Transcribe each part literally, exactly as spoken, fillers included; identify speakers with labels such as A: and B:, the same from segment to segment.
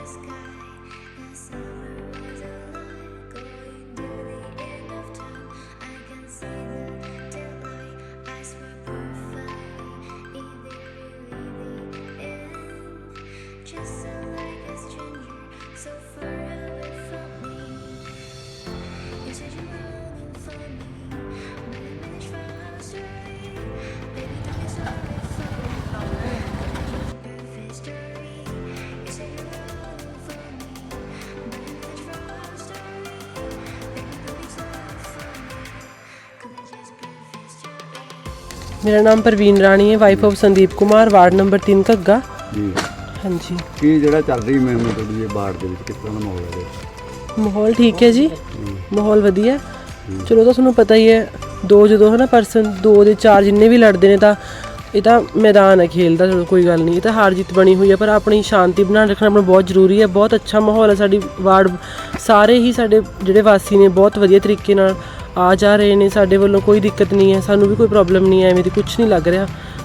A: मेरा नाम परवीन राणी है, wife of Sandeep Kumar, ward number तीन घग्गा
B: जी।
A: हाँ जी।
B: की ਜਿਹੜਾ ਚੱਲ ਰਹੀ ਮੈਂ ਤੁਹਾਡੀ ਇਹ ਬਾੜ ਦੇ ਵਿੱਚ ਕਿਸ ਤਰ੍ਹਾਂ ਦਾ ਮਾਹੌਲ ਹੈ?
A: ਮਾਹੌਲ ਠੀਕ ਹੈ ਜੀ, ਮਾਹੌਲ ਵਧੀਆ। ਚਲੋ ਤਾਂ ਤੁਹਾਨੂੰ ਪਤਾ ਹੀ ਹੈ, ਦੋ ਜਦੋਂ ਹੈ ਨਾ ਪਰਸਨ ਦੋ ਦੇ ਚਾਰ ਜਿੰਨੇ ਵੀ ਲੜਦੇ ਨੇ ਤਾਂ ਇਹ ਤਾਂ ਮੈਦਾਨ ਹੈ ਖੇਲ ਦਾ। ਚਲੋ ਕੋਈ ਗੱਲ ਨਹੀਂ, ਇਹ ਤਾਂ ਹਾਰ ਜਿੱਤ ਬਣੀ ਹੋਈ ਹੈ, ਪਰ ਆਪਣੀ ਸ਼ਾਂਤੀ ਬਣਾ ਰੱਖਣਾ ਆਪਣਾ ਬਹੁਤ ਜ਼ਰੂਰੀ ਹੈ। ਬਹੁਤ ਅੱਛਾ ਮਾਹੌਲ ਹੈ, ਸਾਡੀ ਵਾਰਡ ਸਾਰੇ ਹੀ ਸਾਡੇ ਜਿਹੜੇ ਵਾਸੀ ਨੇ ਬਹੁਤ ਵਧੀਆ ਤਰੀਕੇ ਨਾਲ ਆ ਜਾ ਰਹੇ ਨੇ। ਸਾਡੇ ਵੱਲੋਂ ਕੋਈ ਦਿੱਕਤ ਨਹੀਂ ਹੈ, ਸਾਨੂੰ ਵੀ ਕੋਈ ਪ੍ਰੋਬਲਮ ਨਹੀਂ ਹੈ, ਐਵੇਂ ਦੀ ਕੁਛ ਨਹੀਂ ਲੱਗ ਰਿਹਾ।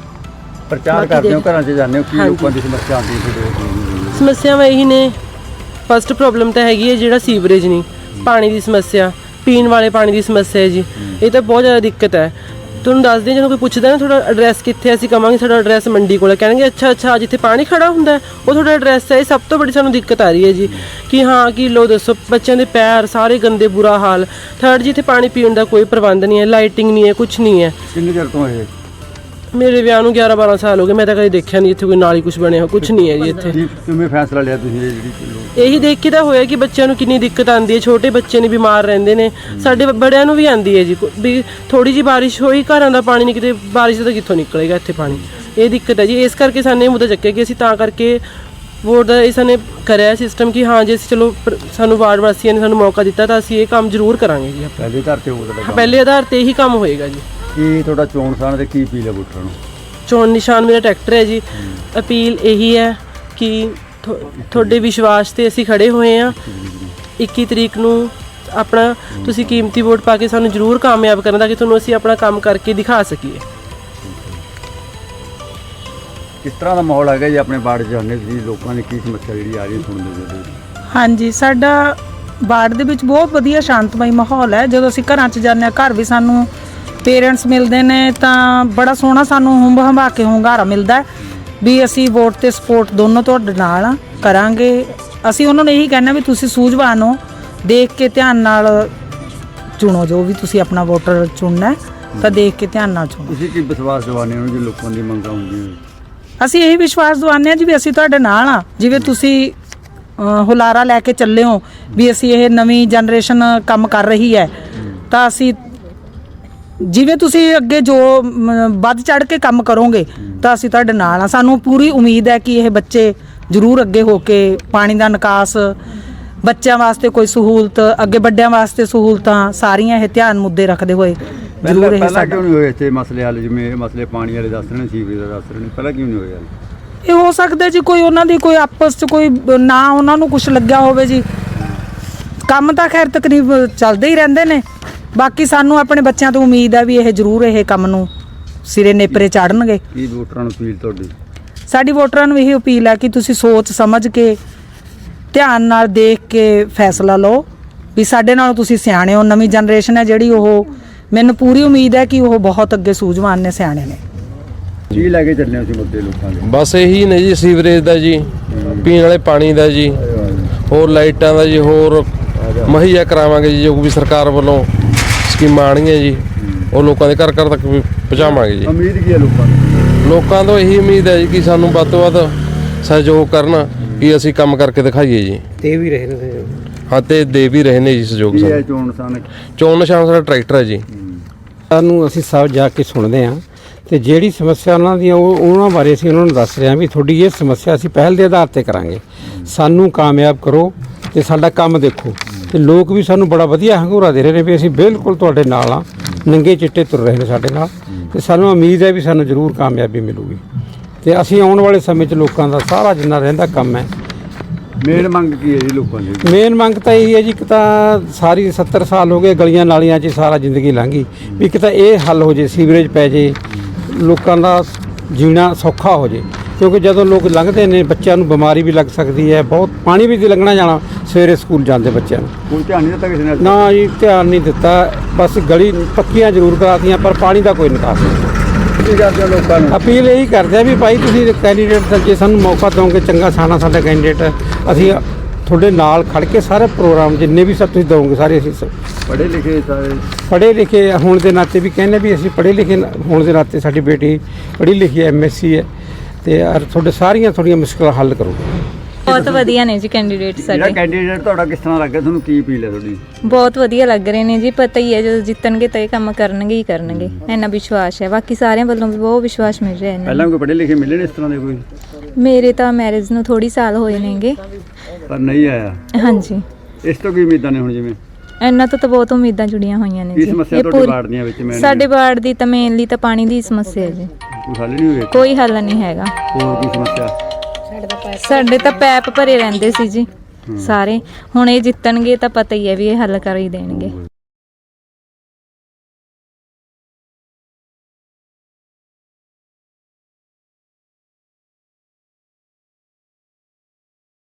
B: ਪ੍ਰਚਾਰ ਕਰਦੇ ਹੋ, ਘਰਾਂ 'ਚ ਜਾਂਦੇ ਹੋ, ਕੀ ਲੋਕਾਂ ਦੀ ਸਮੱਸਿਆ ਆਉਂਦੀ ਹੈ?
A: ਸਮੱਸਿਆਵਾਂ ਇਹੀ ਨੇ, ਫਸਟ ਪ੍ਰੋਬਲਮ ਤਾਂ ਹੈਗੀ ਹੈ ਜਿਹੜਾ ਸੀਵਰੇਜ ਨਹੀਂ, ਪਾਣੀ ਦੀ ਸਮੱਸਿਆ, ਪੀਣ ਵਾਲੇ ਪਾਣੀ ਦੀ ਸਮੱਸਿਆ ਹੈ ਜੀ। ਇਹ ਤਾਂ ਬਹੁਤ ਜ਼ਿਆਦਾ ਦਿੱਕਤ ਹੈ। ਤੁਹਾਨੂੰ ਦੱਸਦੇ ਹਾਂ, ਜਦੋਂ ਕੋਈ ਪੁੱਛਦਾ ਨਾ ਤੁਹਾਡਾ ਐਡਰੈਸ ਕਿੱਥੇ, ਅਸੀਂ ਕਹਾਂਗੇ ਸਾਡਾ ਐਡਰੈਸ ਮੰਡੀ ਕੋਲ, ਕਹਿਣਗੇ ਅੱਛਾ ਅੱਛਾ ਜਿੱਥੇ ਪਾਣੀ ਖੜਾ ਹੁੰਦਾ ਉਹ ਤੁਹਾਡਾ ਐਡਰੈਸ ਹੈ। ਇਹ ਸਭ ਤੋਂ ਬੜੀ ਸਾਨੂੰ ਦਿੱਕਤ ਆ ਰਹੀ ਹੈ ਜੀ, ਕਿ ਹਾਂ ਕਿ ਲੋ ਦੱਸੋ, ਬੱਚਿਆਂ ਦੇ ਪੈਰ ਸਾਰੇ ਗੰਦੇ, ਬੁਰਾ ਹਾਲ। ਥਰਡ ਜੀ, ਇੱਥੇ ਪਾਣੀ ਪੀਣ ਦਾ ਕੋਈ ਪ੍ਰਬੰਧ ਨਹੀਂ ਹੈ, ਲਾਈਟਿੰਗ ਨਹੀਂ ਹੈ, ਕੁਛ ਨਹੀਂ ਹੈ।
B: ਕਿੰਨੇ ਚਿਰ ਤੋਂ ਇਹ?
A: ਮੇਰੇ ਵਿਆਹ ਨੂੰ ਗਿਆਰਾਂ ਬਾਰਾਂ ਸਾਲ ਹੋ ਗਏ, ਮੈਂ ਤਾਂ ਕਦੇ ਦੇਖਿਆ ਨਹੀਂ ਇੱਥੇ ਕੋਈ ਨਾਲੀ ਕੁਛ ਬਣਿਆ ਹੋ, ਕੁਛ ਨਹੀਂ ਹੈ ਜੀ ਇੱਥੇ।
B: ਕਿਵੇਂ ਫੈਸਲਾ ਲਿਆ ਤੁਸੀਂ ਇਹ ਜਿਹੜੀ?
A: ਇਹੀ ਦੇਖ ਕੇ ਤਾਂ ਹੋਇਆ ਕਿ ਬੱਚਿਆਂ ਨੂੰ ਕਿੰਨੀ ਦਿੱਕਤ ਆਉਂਦੀ ਹੈ, ਛੋਟੇ ਬੱਚੇ ਨੇ ਬਿਮਾਰ ਰਹਿੰਦੇ ਨੇ, ਸਾਡੇ ਬੜਿਆਂ ਨੂੰ ਵੀ ਆਉਂਦੀ ਹੈ ਜੀ। ਵੀ ਥੋੜੀ ਜਿਹੀ ਬਾਰਿਸ਼ ਹੋਈ, ਘਰਾਂ ਦਾ ਪਾਣੀ ਨਹੀਂ, ਕਿਤੇ ਬਾਰਿਸ਼ ਦਾ ਕਿੱਥੋਂ ਨਿਕਲੇਗਾ ਇੱਥੇ ਪਾਣੀ, ਇਹ ਦਿੱਕਤ ਹੈ ਜੀ। ਇਸ ਕਰਕੇ ਸਾਨੂੰ ਇਹ ਮੁੱਦਾ ਚੱਕਿਆ ਕਿ ਅਸੀਂ ਤਾਂ ਕਰਕੇ ਵੋਟ ਦਾ ਇਸ ਨੇ ਕਰਿਆ ਸਿਸਟਮ ਕਿ ਹਾਂ ਜੇ ਅਸੀਂ ਚਲੋ ਸਾਨੂੰ ਵਾਰਡ ਵਾਸੀਆਂ ਨੇ ਸਾਨੂੰ ਮੌਕਾ ਦਿੱਤਾ ਤਾਂ ਅਸੀਂ ਇਹ ਕੰਮ ਜ਼ਰੂਰ ਕਰਾਂਗੇ ਜੀ।
B: ਪਹਿਲੇ ਆਧਾਰ ਤੇ ਹੋਊਗਾ,
A: ਪਹਿਲੇ ਆਧਾਰ ਤੇ ਇਹੀ ਕੰਮ ਹੋਏਗਾ ਜੀ।
B: ਕੀ ਤੁਹਾਡਾ ਚੋਣ ਨਿਸ਼ਾਨ ਤੇ ਕੀ ਅਪੀਲ ਹੈ ਵੋਟਰਾਂ ਨੂੰ?
A: ਚੋਣ ਨਿਸ਼ਾਨ ਮੇਰਾ ਟਰੈਕਟਰ ਹੈ ਜੀ। ਅਪੀਲ ਇਹੀ ਹੈ ਕਿ ਤੁਹਾਡੇ ਵਿਸ਼ਵਾਸ ਤੇ ਅਸੀਂ ਖੜੇ ਹੋਏ ਹਾਂ। ਇੱਕੀ ਤਰੀਕ ਨੂੰ ਆਪਣਾ ਤੁਸੀਂ ਕੀਮਤੀ ਵੋਟ ਪਾ ਕੇ ਸਾਨੂੰ ਜ਼ਰੂਰ ਕਾਮਯਾਬ ਕਰਨ ਦਾ, ਕਿ ਤੁਹਾਨੂੰ ਅਸੀਂ ਆਪਣਾ ਕੰਮ ਕਰਕੇ ਦਿਖਾ ਸਕੀਏ।
B: ਕਿਸ ਤਰ੍ਹਾਂ ਦਾ ਮਾਹੌਲ ਹੈਗਾ ਜੀ ਆਪਣੇ ਵਾਰਡ 'ਚ? ਜਾਂਦੇ ਤੁਸੀਂ, ਲੋਕਾਂ ਦੀ ਕੀ ਸਮੱਸਿਆ ਜਿਹੜੀ ਆ ਰਹੀ ਸੁਣਦੇ ਹੋ?
C: ਹਾਂਜੀ, ਸਾਡਾ ਵਾਰਡ ਦੇ ਵਿੱਚ ਬਹੁਤ ਵਧੀਆ ਸ਼ਾਂਤਮਈ ਮਾਹੌਲ ਹੈ। ਜਦੋਂ ਅਸੀਂ ਘਰਾਂ 'ਚ ਜਾਂਦੇ ਹਾਂ, ਘਰ ਵੀ ਸਾਨੂੰ ਪੇਰੈਂਟਸ ਮਿਲਦੇ ਨੇ ਤਾਂ ਬੜਾ ਸੋਹਣਾ ਸਾਨੂੰ ਹੁੰਬ ਹੰਭਾ ਕੇ ਹੁੰਗਾਰਾ ਮਿਲਦਾ ਵੀ ਅਸੀਂ ਵੋਟ ਤੇ ਸਪੋਰਟ ਦੋਨੋਂ ਤੁਹਾਡੇ ਨਾਲ ਕਰਾਂਗੇ। ਅਸੀਂ ਉਹਨਾਂ ਨੂੰ ਇਹੀ ਕਹਿਣਾ ਵੀ ਤੁਸੀਂ ਸੂਝਵਾਨ ਹੋ, ਦੇਖ ਕੇ ਧਿਆਨ ਨਾਲ ਚੁਣੋ, ਜੋ ਵੀ ਤੁਸੀਂ ਆਪਣਾ ਵੋਟਰ ਚੁਣਨਾ ਤਾਂ ਦੇਖ ਕੇ ਧਿਆਨ ਨਾਲ ਚੁਣੋ।
B: ਤੁਸੀਂ ਕੀ ਵਿਸ਼ਵਾਸ ਦਿਵਾਉਂਦੇ ਹੋ ਜੀ ਲੋਕਾਂ ਦੀ ਮੰਗਾਂ ਹੁੰਦੀਆਂ?
C: ਅਸੀਂ ਇਹੀ ਵਿਸ਼ਵਾਸ ਦਿਵਾਉਂਦੇ ਹਾਂ ਜੀ ਵੀ ਅਸੀਂ ਤੁਹਾਡੇ ਨਾਲ ਆ। ਜਿਵੇਂ ਤੁਸੀਂ ਹੁਲਾਰਾ ਲੈ ਕੇ ਚੱਲੇ ਹੋ ਵੀ ਅਸੀਂ ਇਹ ਨਵੀਂ ਜਨਰੇਸ਼ਨ ਕੰਮ ਕਰ ਰਹੀ ਹੈ, ਤਾਂ ਅਸੀਂ ਜਿਵੇਂ ਤੁਸੀਂ ਅੱਗੇ ਜੋ ਵੱਧ ਚੜ ਕੇ ਕੰਮ ਕਰੋਗੇ ਤਾਂ ਅਸੀਂ ਤੁਹਾਡੇ ਨਾਲ ਆ। ਸਾਨੂੰ ਪੂਰੀ ਉਮੀਦ ਹੈ ਕਿ ਇਹ ਬੱਚੇ ਜ਼ਰੂਰ ਅੱਗੇ ਹੋ ਕੇ ਪਾਣੀ ਦਾ ਨਿਕਾਸ, ਬੱਚਿਆਂ ਵਾਸਤੇ ਕੋਈ ਸਹੂਲਤ, ਅੱਗੇ ਵੱਡਿਆਂ ਵਾਸਤੇ ਸਹੂਲਤਾਂ ਸਾਰੀਆਂ ਇਹ ਧਿਆਨ ਮੁੱਦੇ ਰੱਖਦੇ ਹੋਏ ਜ਼ਰੂਰ ਇਹ
B: ਪਹਿਲਾਂ ਕਿਉਂ ਨਹੀਂ ਹੋਏ ਇੱਥੇ ਮਸਲੇ ਹੱਲ? ਜਿਵੇਂ ਇਹ ਮਸਲੇ ਪਾਣੀ ਵਾਲੇ ਦੱਸ ਰਹੇ ਨੇ, ਸੀਵਰੇਜ ਦਾ ਦੱਸ ਰਹੇ ਨੇ, ਪਹਿਲਾਂ ਕਿਉਂ ਨਹੀਂ ਹੋਇਆ?
C: ਇਹ ਹੋ ਸਕਦਾ ਜੀ ਕੋਈ ਉਹਨਾਂ ਦੀ ਕੋਈ ਆਪਸ 'ਚ ਕੋਈ ਨਾ ਉਹਨਾਂ ਨੂੰ ਕੁਛ ਲੱਗਿਆ ਹੋਵੇ ਜੀ। ਕੰਮ ਤਾਂ ਖੈਰ ਤਕਰੀਬ ਚੱਲਦੇ ਹੀ ਰਹਿੰਦੇ ਨੇ। ਬਾਕੀ ਸਾਨੂੰ ਆਪਣੇ ਬੱਚਿਆਂ ਤੋਂ ਉਮੀਦ ਹੈ ਵੀ ਇਹ ਜ਼ਰੂਰ ਇਹ ਕੰਮ ਨੂੰ ਸਿਰੇ ਨੇਪਰੇ ਚਾੜਨਗੇ।
B: ਕੀ ਵੋਟਰਾਂ ਨੂੰ ਅਪੀਲ ਤੁਹਾਡੀ?
C: ਸਾਡੀ ਵੋਟਰਾਂ ਨੂੰ ਇਹ ਅਪੀਲ ਹੈ ਕਿ ਤੁਸੀਂ ਸੋਚ ਸਮਝ ਕੇ ਧਿਆਨ ਨਾਲ ਦੇਖ ਕੇ ਫੈਸਲਾ ਲਓ ਵੀ ਸਾਡੇ ਨਾਲੋਂ ਤੁਸੀਂ ਸਿਆਣੇ ਹੋ। ਨਵੀਂ ਜਨਰੇਸ਼ਨ ਹੈ ਜਿਹੜੀ, ਉਹ ਮੈਨੂੰ ਪੂਰੀ ਉਮੀਦ ਹੈ ਕਿ ਉਹ ਬਹੁਤ ਅੱਗੇ ਸੂਝਵਾਨ ਨੇ, ਸਿਆਣੇ ਨੇ।
B: ਕੀ ਲੈ ਕੇ ਚੱਲੇ ਸੀ ਮੁੱਦੇ ਲੋਕਾਂ ਦੇ?
D: ਬਸ ਇਹੀ ਨੇ ਜੀ, ਸੀਵਰੇਜ ਦਾ ਜੀ, ਪੀਣ ਵਾਲੇ ਪਾਣੀ ਦਾ ਜੀ, ਹੋਰ ਲਾਈਟਾਂ ਦਾ ਜੀ, ਹੋਰ ਮੁਹੱਈਆ ਕਰਾਵਾਂਗੇ ਜੀ ਜੋ ਵੀ ਸਰਕਾਰ ਵੱਲੋਂ ਸਕੀਮਾਂ ਆਉਣਗੀਆਂ ਜੀ, ਉਹ ਲੋਕਾਂ ਦੇ ਘਰ ਘਰ ਤੱਕ ਵੀ ਪਹੁੰਚਾਵਾਂਗੇ ਜੀ।
B: ਉਮੀਦ ਕੀ ਹੈ ਲੋਕਾਂ ਨੂੰ?
D: ਲੋਕਾਂ ਤੋਂ ਇਹੀ ਉਮੀਦ ਹੈ ਜੀ ਕਿ ਸਾਨੂੰ ਵੱਧ ਤੋਂ ਵੱਧ ਸਹਿਯੋਗ ਕਰਨ, ਕਿ ਅਸੀਂ ਕੰਮ ਕਰਕੇ ਦਿਖਾਈਏ ਜੀ।
E: ਦੇ ਵੀ ਰਹੇ ਨੇ,
D: ਹਾਂ, ਤੇ ਦੇ ਵੀ ਰਹੇ ਨੇ ਜੀ ਸਹਿਯੋਗ।
B: ਕੀ ਹੈ ਚੋਣ ਨਿਸ਼ਾਨ?
D: ਚੋਣ ਨਿਸ਼ਾਨ ਸਾਡਾ ਟਰੈਕਟਰ ਹੈ ਜੀ।
E: ਸਾਨੂੰ ਅਸੀਂ ਸਭ ਜਾ ਕੇ ਸੁਣਦੇ ਹਾਂ ਤੇ ਜਿਹੜੀ ਸਮੱਸਿਆ ਉਹਨਾਂ ਦੀਆਂ ਉਹ ਉਹਨਾਂ ਬਾਰੇ ਅਸੀਂ ਉਹਨਾਂ ਨੂੰ ਦੱਸ ਰਹੇ ਹਾਂ ਵੀ ਤੁਹਾਡੀ ਇਹ ਸਮੱਸਿਆ ਅਸੀਂ ਪਹਿਲ ਦੇ ਆਧਾਰ ਤੇ ਕਰਾਂਗੇ, ਸਾਨੂੰ ਕਾਮਯਾਬ ਕਰੋ ਤੇ ਸਾਡਾ ਕੰਮ ਦੇਖੋ। ਤੇ ਲੋਕ ਵੀ ਸਾਨੂੰ ਬੜਾ ਵਧੀਆ ਹੰਗੂਰਾ ਦੇ ਰਹੇ ਨੇ ਵੀ ਅਸੀਂ ਬਿਲਕੁਲ ਤੁਹਾਡੇ ਨਾਲ ਆ, ਨੰਗੇ ਚਿੱਟੇ ਤੁਰ ਰਹੇ ਨੇ ਸਾਡੇ ਨਾਲ, ਤੇ ਸਾਨੂੰ ਉਮੀਦ ਹੈ ਵੀ ਸਾਨੂੰ ਜ਼ਰੂਰ ਕਾਮਯਾਬੀ ਮਿਲੂਗੀ। ਤੇ ਅਸੀਂ ਆਉਣ ਵਾਲੇ ਸਮੇਂ 'ਚ ਲੋਕਾਂ ਦਾ ਸਾਰਾ ਜਿੰਨਾ ਰਹਿੰਦਾ ਕੰਮ ਹੈ।
B: ਮੇਨ ਮੰਗ ਕੀ ਹੈ ਜੀ ਲੋਕਾਂ ਦੀ?
E: ਮੇਨ ਮੰਗ ਤਾਂ ਇਹ ਹੈ ਜੀ, ਇੱਕ ਤਾਂ ਸਾਰੀ ਸੱਤਰ ਸਾਲ ਹੋ ਗਏ ਗਲੀਆਂ ਨਾਲੀਆਂ 'ਚ ਸਾਰਾ ਜ਼ਿੰਦਗੀ ਲੰਘੀ, ਵੀ ਇੱਕ ਤਾਂ ਇਹ ਹੱਲ ਹੋ ਜੇ, ਸੀਵਰੇਜ ਪੈ ਜੇ, ਲੋਕਾਂ ਦਾ ਜੀਣਾ ਸੌਖਾ ਹੋ ਜੇ। ਕਿਉਂਕਿ ਜਦੋਂ ਲੋਕ ਲੰਘਦੇ ਨੇ ਬੱਚਿਆਂ ਨੂੰ ਬਿਮਾਰੀ ਵੀ ਲੱਗ ਸਕਦੀ ਹੈ, ਬਹੁਤ ਪਾਣੀ ਵੀ ਦੀ ਲੰਘਣਾ ਜਾਣਾ ਸਵੇਰੇ ਸਕੂਲ ਜਾਂਦੇ ਬੱਚਿਆਂ ਨੂੰ।
B: ਕੋਈ ਧਿਆਨ ਨਹੀਂ ਦਿੱਤਾ ਕਿਸੇ ਨੇ?
E: ਨਾ ਜੀ, ਧਿਆਨ ਨਹੀਂ ਦਿੱਤਾ, ਬਸ ਗਲੀ ਪੱਕੀਆਂ ਜ਼ਰੂਰ ਕਰਾਤੀਆਂ ਪਰ ਪਾਣੀ ਦਾ ਕੋਈ ਨਿਕਾਸ ਨਹੀਂ।
B: ਕੀ ਕਰਦੇ ਹੋ ਲੋਕਾਂ ਨੂੰ?
E: ਅਪੀਲ ਇਹੀ ਕਰਦੇ ਆ ਵੀ ਭਾਈ ਤੁਸੀਂ ਕੈਂਡੀਡੇਟ ਜੇ ਸਾਨੂੰ ਮੌਕਾ ਦਿਓਗੇ ਚੰਗਾ ਸਾਨਾ ਸਾਡਾ ਕੈਂਡੀਡੇਟ, ਅਸੀਂ ਤੁਹਾਡੇ ਨਾਲ ਖੜ ਕੇ ਸਾਰੇ ਪ੍ਰੋਗਰਾਮ ਜਿੰਨੇ ਵੀ ਸਭ ਤੁਸੀਂ ਦਿਓਗੇ ਸਾਰੇ ਅਸੀਂ
B: ਪੜ੍ਹੇ ਲਿਖੇ ਸਾਰੇ
E: ਪੜ੍ਹੇ ਲਿਖੇ ਹੋਣ ਦੇ ਨਾਤੇ ਵੀ ਕਹਿੰਦੇ ਵੀ ਅਸੀਂ ਪੜ੍ਹੇ ਲਿਖੇ ਹੋਣ ਦੇ ਨਾਤੇ ਸਾਡੀ ਬੇਟੀ ਪੜ੍ਹੀ ਲਿਖੀ ਹੈ, ਐਮ ਐਸ ਸੀ ਹੈ ਤੇ ਔਰ ਤੁਹਾਡੇ ਸਾਰੀਆਂ ਤੁਹਾਡੀਆਂ ਮੁਸ਼ਕਲਾਂ ਹੱਲ ਕਰੂਗੇ।
F: ਬਹੁਤ ਵਧੀਆ ਨੇ ਜੀ ਕੈਂਡੀਡੇਟ
B: ਜਿਹੜਾ
F: ਸਾਡੇ,
B: ਕੈਂਡੀਡੇਟ ਤੁਹਾਡਾ ਕਿਸ ਤਰ੍ਹਾਂ ਲੱਗਿਆ, ਤੁਹਾਨੂੰ ਕੀ ਅਪੀਲ ਹੈ ਤੁਹਾਡੀ?
F: ਬਹੁਤ ਵਧੀਆ ਲੱਗ ਰਹੇ ਨੇ ਜੀ। ਪਤਾ ਹੀ ਹੈ ਜਦੋਂ ਜਿੱਤਣਗੇ ਤਾਂ ਇਹ ਕੰਮ ਕਰਨਗੇ ਹੀ ਕਰਨਗੇ, ਇੰਨਾ ਵਿਸ਼ਵਾਸ ਹੈ। ਬਾਕੀ ਸਾਰਿਆਂ ਵੱਲੋਂ ਵੀ ਬਹੁਤ ਵਿਸ਼ਵਾਸ ਮਿਲ ਰਿਹਾ ਇਹਨਾਂ
B: ਪਹਿਲਾਂ ਕੋਈ ਪੜ੍ਹੇ ਲਿਖੇ ਮਿਲੇ ਨੇ ਇਸ ਤਰ੍ਹਾਂ ਦੇ ਕੋਈ?
F: ਨੂੰ। ਮੇਰੇ ਤਾਂ ਮੈਰਿਜ ਨੂੰ ਥੋੜੀ ਸਾਲ ਹੋਏ ਨੇਗੇ।
B: ਪਰ ਨਹੀਂ ਆਇਆ।
F: ਹਾਂਜੀ,
B: ਇਸ ਤੋਂ ਕੀ ਉਮੀਦਾਂ ਨੇ ਹੁਣ? ਜਿਵੇਂ
F: ਇਹਨਾਂ ਤੋਂ ਤਾਂ ਬਹੁਤ ਉਮੀਦਾਂ ਜੁੜੀਆਂ ਹੋਈਆਂ ਨੇ
B: ਕੀ
F: ਜੀ।
B: ਸਮੱਸਿਆ ਤੁਹਾਡੇ
F: ਪੂਰੀ-
B: ਵਾਰਡ ਦੀਆਂ ਵਿੱਚ ਮੈਂ
F: ਸਾਡੇ ਵਾਰਡ ਦੀ ਤਾਂ ਮੇਨਲੀ ਤਾਂ ਪਾਣੀ ਦੀ ਸਮੱਸਿਆ ਹੈ ਜੀ,
B: ਕੋਈ ਹੱਲ ਨਹੀਂ ਹੋਇਆ?
F: ਕੋਈ ਹੱਲ ਨਹੀਂ ਹੈਗਾ।
B: ਹੋਰ ਕੀ ਸਮੱਸਿਆ?
F: ਸਾਡੇ ਤਾਂ ਪੈਪ ਭਰੇ ਰਹਿੰਦੇ ਸੀ ਜੀ ਸਾਰੇ। ਹੁਣ ਇਹ ਜਿੱਤਣਗੇ ਤਾਂ ਪਤਾ ਹੀ ਹੈ ਵੀ ਇਹ ਹੱਲ ਕਰ ਹੀ ਦੇਣਗੇ।